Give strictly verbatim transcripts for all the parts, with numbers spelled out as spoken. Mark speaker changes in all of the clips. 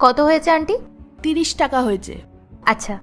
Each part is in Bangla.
Speaker 1: কত হয়েছে আন্টি?
Speaker 2: তিরিশ টাকা হয়েছে।
Speaker 1: আচ্ছা।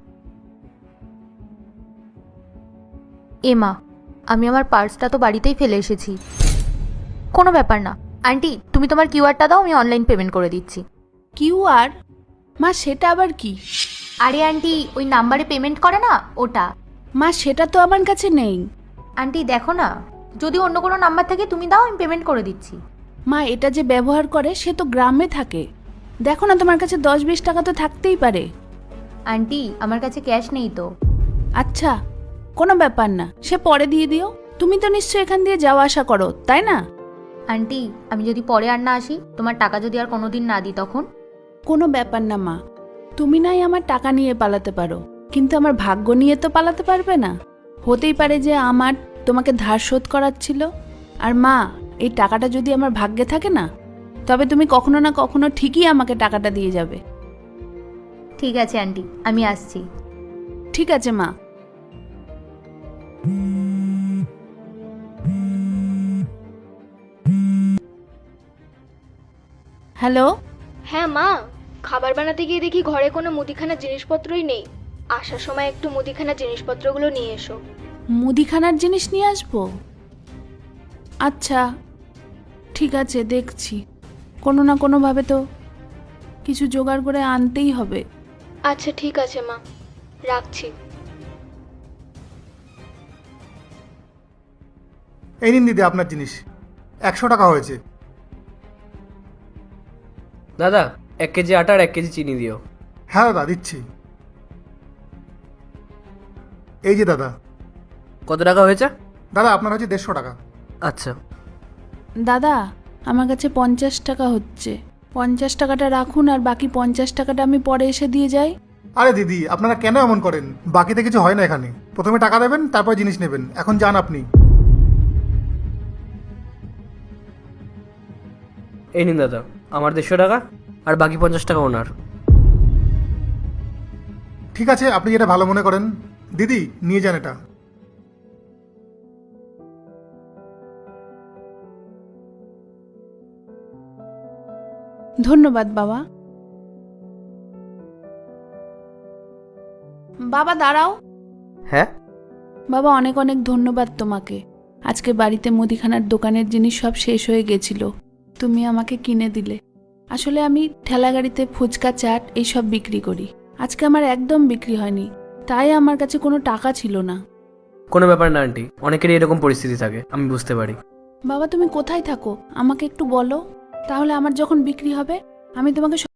Speaker 1: এমা, আমি আমার পার্সটা তো বাড়িতেই ফেলে এসেছি। কোনো ব্যাপার না আন্টি, তুমি তোমার কিউআরটা দাও, আমি অনলাইন পেমেন্ট করে দিচ্ছি।
Speaker 2: কিউআর? মা সেটা আবার কি?
Speaker 1: আরে আন্টি, ওই নাম্বারে পেমেন্ট করে না, ওটা।
Speaker 2: মা সেটা তো আমার কাছে নেই।
Speaker 1: আন্টি দেখো না, যদি অন্য কোনো নাম্বার থেকে তুমি দাও, আমি পেমেন্ট করে দিচ্ছি।
Speaker 2: মা এটা যে ব্যবহার করে সে তো গ্রামে থাকে, দেখো না তোমার কাছে দশ বিশ টাকা তো থাকতেই পারে।
Speaker 1: আন্টি আমার কাছে ক্যাশ নেই তো।
Speaker 2: আচ্ছা, কোনো ব্যাপার না, সে পরে দিয়ে দিও। তুমি তো নিশ্চয়ই এখান দিয়ে যাওয়া আসা করো, তাই না?
Speaker 1: আন্টি আমি যদি পরে আর না আসি, তোমার টাকা যদি আর কোনোদিন না দিই তখন?
Speaker 2: কোনো ব্যাপার না মা, তুমি নাই আমার টাকা নিয়ে পালাতে পারো, কিন্তু আমার ভাগ্য নিয়ে তো পালাতে পারবে না। হতেই পারে যে আমার তোমাকে ধার শোধ করাচ্ছিল। আর মা, এই টাকাটা যদি আমার ভাগ্যে থাকে না, তবে তুমি কখনো না কখনো ঠিকই আমাকে টাকাটা দিয়ে যাবে।
Speaker 1: ঠিক আছে আন্টি, আমি আসছি।
Speaker 2: ঠিক আছে মা। হ্যালো।
Speaker 3: হ্যাঁ মা, খাবার বানাতে গিয়ে দেখি ঘরে কোনো মুদিখানার জিনিসপত্রই নেই। আসার সময় একটু মুদিখানার জিনিসপত্রগুলো নিয়ে এসো।
Speaker 2: মুদিখানার জিনিস নিয়ে আসবো? আচ্ছা ঠিক আছে, দেখছি। কোনো না কোনোভাবে তো কিছু জোগাড় করে আনতেই হবে।
Speaker 3: আচ্ছা ঠিক আছে মা, রাখছি।
Speaker 4: এই নিন দিদি আপনার জিনিস, একশো টাকা হয়েছে।
Speaker 5: দাদা, এক কেজি আটা আর এক কেজি চিনি দিও।
Speaker 4: হ্যাঁ দাদা দিচ্ছি। এই যে দাদা।
Speaker 5: কত টাকা হয়েছে?
Speaker 4: দাদা আপনার হচ্ছে দেড়শো টাকা।
Speaker 5: আচ্ছা
Speaker 2: দাদা, আমার কাছে পঞ্চাশ টাকা হচ্ছে, পঞ্চাশ টাকাটা রাখুন, আর বাকি পঞ্চাশ টাকাটা আমি পরে এসে দিয়ে যাই।
Speaker 4: আরে দিদি আপনারা কেন এমন করেন? বাকিতে কিছু হয় না এখানে, প্রথমে টাকা দেবেন তারপর জিনিস নেবেন। এখন যান আপনি।
Speaker 5: এই নিন দাদা, আমার দেড়শো টাকা আর বাকি পঞ্চাশ টাকা ওনার।
Speaker 4: ঠিক আছে, আপনি যেটা ভালো মনে করেন। দিদি নিয়ে যান এটা।
Speaker 2: ধন্যবাদ বাবা। বাবা দাঁড়াও।
Speaker 5: হ্যাঁ
Speaker 2: বাবা, অনেক অনেক ধন্যবাদ তোমাকে। আজকে বাড়িতে মুদিখানার দোকানের জিনিস সব শেষ হয়ে গেছিল, তুমি আমাকে কিনে দিলে। আসলে আমি ঠেলা গাড়িতে ফুচকা, চাট এইসব বিক্রি করি। আজকে আমার একদম বিক্রি হয়নি, তাই আমার কাছে কোনো টাকা ছিল না।
Speaker 5: কোনো ব্যাপার না আন্টি, অনেকেরই এরকম পরিস্থিতি থাকে, আমি বুঝতে পারি।
Speaker 2: বাবা তুমি কোথায় থাকো আমাকে একটু বলো, তাহলে আমার যখন বিক্রি হবে আমি তোমাকে